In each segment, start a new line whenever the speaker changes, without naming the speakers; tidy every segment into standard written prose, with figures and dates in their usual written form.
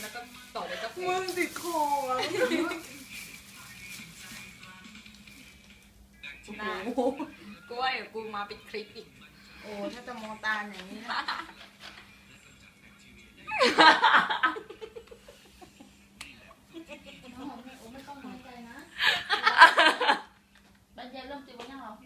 แล้วก็ต่อเลยก็เพล
มึ
ง
งติดคออ่ะ
น่ากูว่าเดี๋ยวกูมาเป็นคลิปอีก
โอ้ถ้าจะมองตาอย่างนี้นะ
ไม่ต้องน้อยใจนะบันเย็นเริ่มตีวันยังหรอ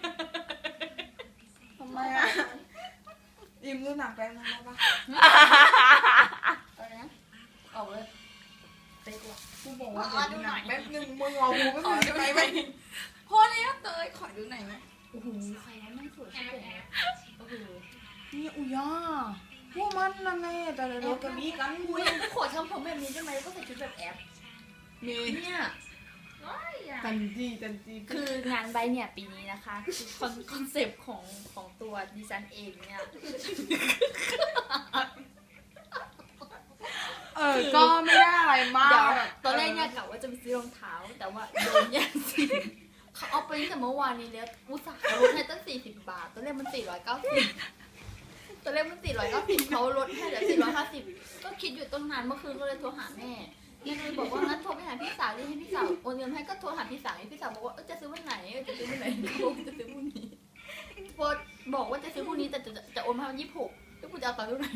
ทำไมอ่ะยิ้มดูหนักไปมั้ยปะ
อะไรนะออกเลยเป๊กว่ะ
กูบอกว่าดูหนักแป๊บนึงมึงเอาหูแป๊บนึงไป
พอแล้วเตยขอดูหน่อยไหม
โอ้โหใครวะแม่งสวยชิบเป๋งโอ้โห
นี่อุย่าพวกมันนั่นแหละแต่เราก็มีกัน
อุ้ยขอทำผมแบบนี้ได้ไหมแล้วก็ใส่ชุดแบบแอป
มี
เนี่ย
จันจี
คืองานใบเนี่ยปีนี้นะคะคือคอนเซปต์ของตัวดิฉันเองเนี่ย
ก็ไม่ได้อะไรมา
เดี๋ยว
ก
ตอนแรกเนี่ยกะว่าจะไปซื้อรองเท้า แต่ว่าโดนแย่งสินเขาเอาไปตั้งแต่เมื่อวานนี้แล้วอุตส่าห์ลดให้ตั้ง40 บาทตอนแรกมัน490ตอนแรกมัน490เขาลดให้เหลือ450ก็คิดอยู่ตั้งนานเมื่อคืนก็เลยโทรหาแม่แม่เลยบอกว่างั้นโทรไปหาพี่สาวดิให้พี่สาวโอนเงินให้ก็โทรหาพี่สาวพี่สาวบอกว่าจะซื้อวันไหนจะซื้อวันไหนบอกจะซื้อพรุ่งนี้โพสบอกว่าจะซื้อพรุ่งนี้แต่จะโอนมาวัน26แล้วกูจะเอาตังค์เท่าไหร่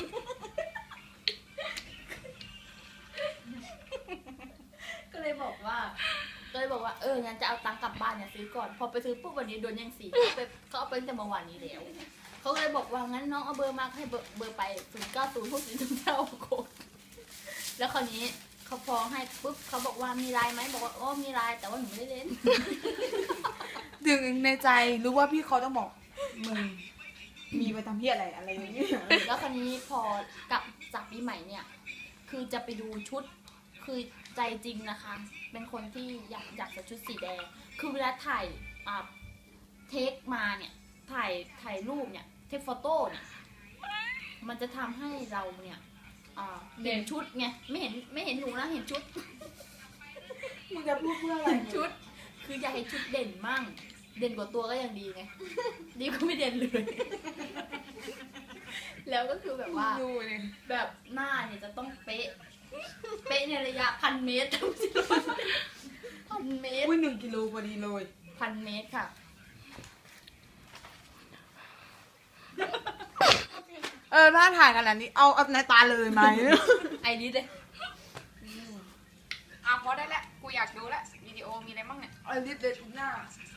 ก็เลยบอกว่างั้นจะเอาตังค์กลับบ้านเนี่ยซื้อก่อนพอไปซื้อปุ๊บวันนี้โดนยังสีเขาเอาไปตั้งแต่เมื่อวานนี้แล้วเขาก็เลยบอกว่างั้นน้องเอาเบอร์มาให้เบอร์ไป090649โคตรแล้วคราวนี้เขาพอให้ปุ๊บเขาบอกว่ามีไลน์ไหมบอกว่ามีไลน์แต่ว่าหนูไม่ได้เล่น
ดึงในใจรู้ว่าพี่เขาต้องบอกมึงมีไปทำเพี้ยอะไรอย่างเงี้ย
แล้วคราวนี้พอกลับจากปีใหม่เนี่ยคือจะไปดูชุดคือใจจริงนะคะ เป็นคนที่อยากใส่ชุดสีแดงคือเวลาถ่ายเทคมาเนี่ยถ่ายรูปเนี่ยเทคโฟโต้เนี่ยมันจะทำให้เราเนี่ยเห็นชุดไงไม่เห็นหนูนะเห็นชุด
มึงจะพูดเพื่ออะไร
ชุดคืออยากให้ชุดเด่นมั่งเด่นกว่าตัวก็ยังดีไงดีก็ไม่เด่นเลย แล้วก็คือแบบว่า
ดูเนี่ย
แบบหน้าเนี่ยจะต้องเป๊ะในระยะ1,000 เมตร 1,000 เมตร
อุ้ย1 กิโลพอดีเลย
1,000 เมตรค่ะ
ถ้าถ่ายขนาดนี้เอาในตาเลยไหม
ไอริสเลย
พอได้แล้วกูอยากดูแล้ววิดีโอมีอะไรบ้างเนี่ย
ไอ้ลิปเด็ดหน้า